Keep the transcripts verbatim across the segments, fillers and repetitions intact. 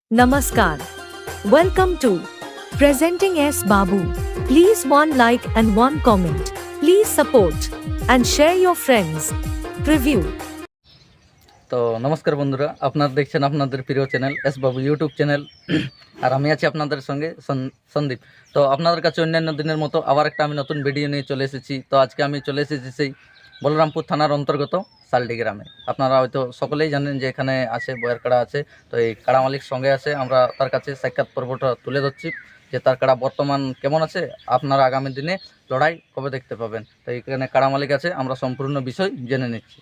Namaskar. Welcome to Presenting S. Babu. Please one like and one comment. Please support and share your friends. Preview. তো নমস্কার বন্ধুরা, আপনারা দেখছেন আপনাদের প্রিয় channel S Babu YouTube channel, আর আমি আছি আপনাদের সঙ্গে সন্দীপ। তো আপনাদের কাছে অন্যান্য দিনের মতো আবার একটা আমি নতুন ভিডিও নিয়ে চলে এসেছি। তো আজকে আমি চলে এসেছি সেই বলরামপুর থানার অন্তর্গত সালডি গ্রামে। আপনারা হয়তো সকলেই জানেন যে এখানে আছে বয়ের কাড়া আছে। তো এই কাড়া মালিক সঙ্গে আছে, আমরা তার কাছে সাক্ষাৎ পর্বটা তুলে ধরছি যে তার কাড়া বর্তমান কেমন আছে, আপনারা আগামী দিনে লড়াই কবে দেখতে পাবেন। তো এখানে কাড়া মালিক আছে, আমরা সম্পূর্ণ বিষয় জেনে নিচ্ছি।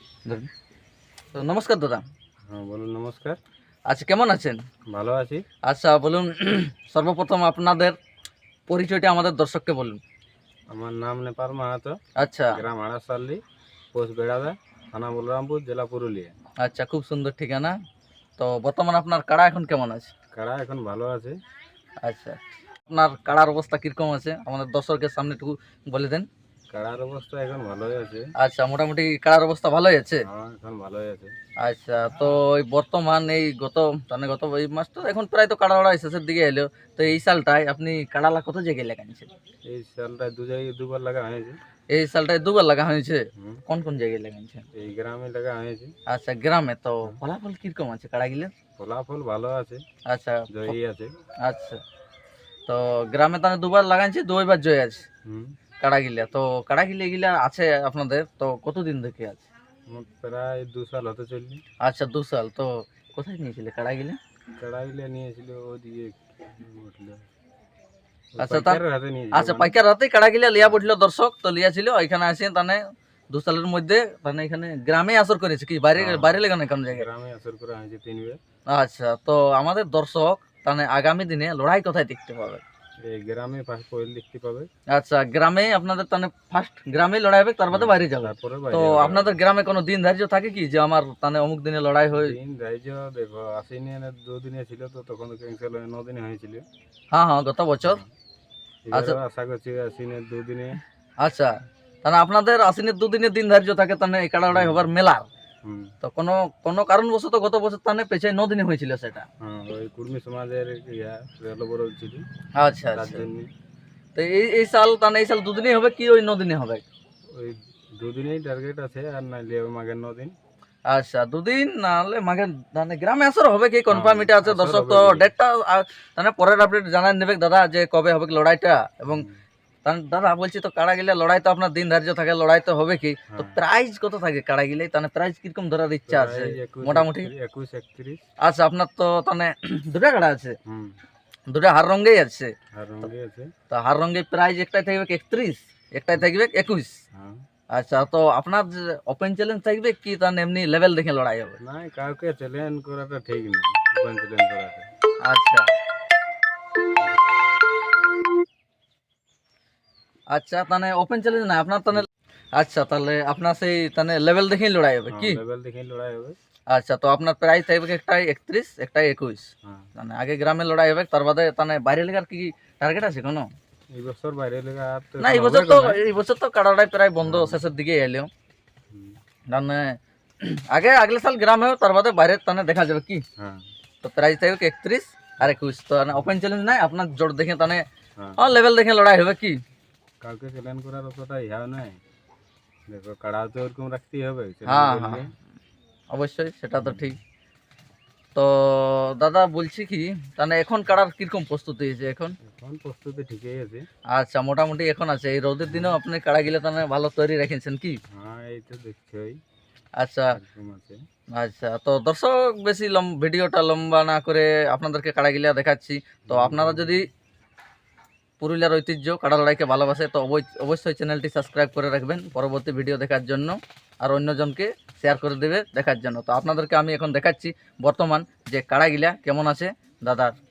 তো নমস্কার দাদা। হ্যাঁ বলুন। নমস্কার। আচ্ছা, কেমন আছেন? ভালো আছি। আচ্ছা বলুন, সর্বপ্রথম আপনাদের পরিচয়টা আমাদের দর্শককে বলুন। আমার নাম নেপাল মাহাতো। আচ্ছা, গ্রাম আড়াসাল্লি, পোস্ট বেড়াদা, থানা বলরামপুর, জেলা পুরুলিয়া। আচ্ছা, খুব সুন্দর ঠিকানা। তো বর্তমান আপনার কাড়া এখন কেমন আছে? কাড়া এখন ভালো আছে। আচ্ছা, আপনার কাড়ার অবস্থা কীরকম আছে আমাদের দর্শকের সামনে একটু বলে দেন। কাড়ার অবস্থা এখন ভালোই আছে। আচ্ছা, মোটামুটি কাড়ার অবস্থা ভালোই আছে। হ্যাঁ এখন ভালোই আছে। আচ্ছা, তো এই বর্তমান এই গত মানে গত এই মাস তো এখন প্রায় তো কাড়া লড়াই শেষের দিকে এলো। তো এই সালটায় আপনি কাড়ালা কত জায়গায় লাগাইছেন? এই সালটায় দু জায়গায় দুবার লাগা হয়েছে। এই সালটায় দুবার লাগা হয়েছে। কোন কোন জায়গায় লাগাইছেন? এই গ্রামে লাগা হয়েছে। আচ্ছা, গ্রামে। তো ফলাফল কিরকম আছে কাড়া গিলে? ফলাফল ভালো আছে। আচ্ছা, জয়ী আছে। আচ্ছা, তো গ্রামে তাহলে দুবার লাগাইছে, দুইবার জয় আছে হুম। কাড়া গিলা। তো কাড়া গিলে গিলা আছে আপনাদের তো কতদিন থেকে আছে? প্রায় দু সাল হতে চললি। আচ্ছা, দু সাল। তো কোথায় নিয়েছিলে কাড়া গিলা? কাড়া গিলে নিয়েছিল ওদিকে উঠলো। আচ্ছা, তার আচ্ছা পাইকার হাতে কাড়া গিলা লিয়া পড়ছিল দর্শক। তো লিয়া ছিল এখানে আসে তানে দু সালের মধ্যে মানে এখানে গ্রামে আসর করেছে কি বাইরে বাইরে লেগানো কোন জায়গায়? গ্রামে আসর করা হয়েছে তিনবার। আচ্ছা, তো আমাদের দর্শক তানে আগামী দিনে লড়াই কোথায় দেখতে পাবে? এই গ্রামে ফার্স্ট পয়েল দেখতে পাবে। আচ্ছা, গ্রামে আপনাদের তানে ফার্স্ট গ্রামে লড়াই হবে, তার বাদে বাইরে যাবে। তারপরে তো আপনাদের গ্রামে কোনো দিন ধার্য থাকে কি যে আমার তানে অমুক দিনে লড়াই হয়? দিন ধার্য দেখো আশ্বিনে দুদিনে ছিল, তো তখন ক্যান্সেল হয়ে নদিনে হয়েছিল। হ্যাঁ হ্যাঁ, গত বছর। আচ্ছা, আশা করছি আশ্বিনের দুদিনে। আচ্ছা, তাহলে আপনাদের আশ্বিনের দুদিনের দিন ধার্য থাকে তাহলে এই কাড়া লড়াই হবার মেলার। তো কোনো কোনো কারণবশত গত বছর তাহলে পেছায় নদিনে হয়েছিল সেটা। হ্যাঁ, ওই কুর্মী সমাজের ইয়া রেল বড় ছিল। আচ্ছা আচ্ছা, তো এই এই সাল তাহলে এই সাল দুদিনই হবে কি ওই নদিনে হবে? ওই দুদিনেই টার্গেট আছে, আর নাইলে মাঘের নদিন। আচ্ছা, দুদিন নাহলে মাঘে মানে গ্রামে আসর হবে কি কনফার্ম এটা আছে দর্শক। তো ডেটটা তাহলে পরের আপডেট জানাই নেবে দাদা যে কবে হবে লড়াইটা। এবং দাদা বলছি তো কাড়া গিলে লড়াই তো আপনার দিন ধার্য থাকে, লড়াই তো হবে কি, তো প্রাইজ কত থাকে কাড়া গিলে? তাহলে প্রাইজ কিরকম ধরার ইচ্ছা আছে মোটামুটি? একুশ একত্রিশ। আচ্ছা, আপনার তো তাহলে দুটা কাড়া আছে, দুটা হার রঙেই আছে। তো হার রঙে প্রাইজ একটাই থাকবে একত্রিশ, একটাই থাকবে একুশ। আচ্ছা, তো আপনার ওপেন চ্যালেঞ্জ থাকবে কি তাহলে এমনি লেভেল দেখে লড়াই হবে? না, কাউকে চ্যালেঞ্জ করাটা ঠিক নেই, ওপেন চ্যালেঞ্জ করাটা। আচ্ছা আচ্ছা, তাহলে ওপেন চ্যালেঞ্জ না আপনার তাহলে। আচ্ছা, তাহলে আপনার সেই তাহলে লেভেল দেখেই লড়াই হবে কি? লেভেল দেখেই লড়াই হবে। আচ্ছা, তো আপনার প্রাইস থাকবে একটাই একত্রিশ, একটাই একুশ। মানে আগে গ্রামে লড়াই হবে, তার বাদে তাহলে বাইরে লেগার কি টার্গেট আছে কোনো? এই বছর বাইরে লেগা না, এই বছর তো এই বছর তো কাড়াটাই প্রায় বন্ধ, শেষের দিকে এলো। মানে আগে আগলে সাল গ্রামে, তার বাদে বাইরে তাহলে দেখা যাবে কি। তো প্রাইস থাকবে একত্রিশ আর একুশ। তো ওপেন চ্যালেঞ্জ নাই, আপনার জোর দেখে তাহলে লেভেল দেখে লড়াই হবে কি? কাউকে চ্যালেঞ্জ করার অতটা ইয়া নাই, দেখো কাড়া তো ওরকম রাখতেই হবে। হ্যাঁ হ্যাঁ, অবশ্যই, সেটা তো ঠিক। তো দাদা বলছি কি তাহলে এখন কাড়ার কিরকম প্রস্তুতি হয়েছে? এখন এখন প্রস্তুতি ঠিকই আছে। আচ্ছা, মোটামুটি এখন আছে। এই রোদের দিনেও আপনি কাড়া গিলে তাহলে ভালো তৈরি রেখেছেন কি? হ্যাঁ, এই তো দেখছই। আচ্ছা আচ্ছা, তো দর্শক বেশি ভিডিওটা লম্বা না করে আপনাদেরকে কাড়া গিলা দেখাচ্ছি। তো আপনারা যদি পুরুলিয়ার ঐতিহ্য কাড়া লড়াইকে ভালোবাসে তো অবশ্যই চ্যানেলটি সাবস্ক্রাইব করে রাখবেন পরবর্তী ভিডিও দেখার জন্য, আর অন্যজনকে শেয়ার করে দেবে দেখার জন্য। তো আপনাদেরকে আমি এখন দেখাচ্ছি বর্তমান যে কাড়া গিলা কেমন আছে দাদার।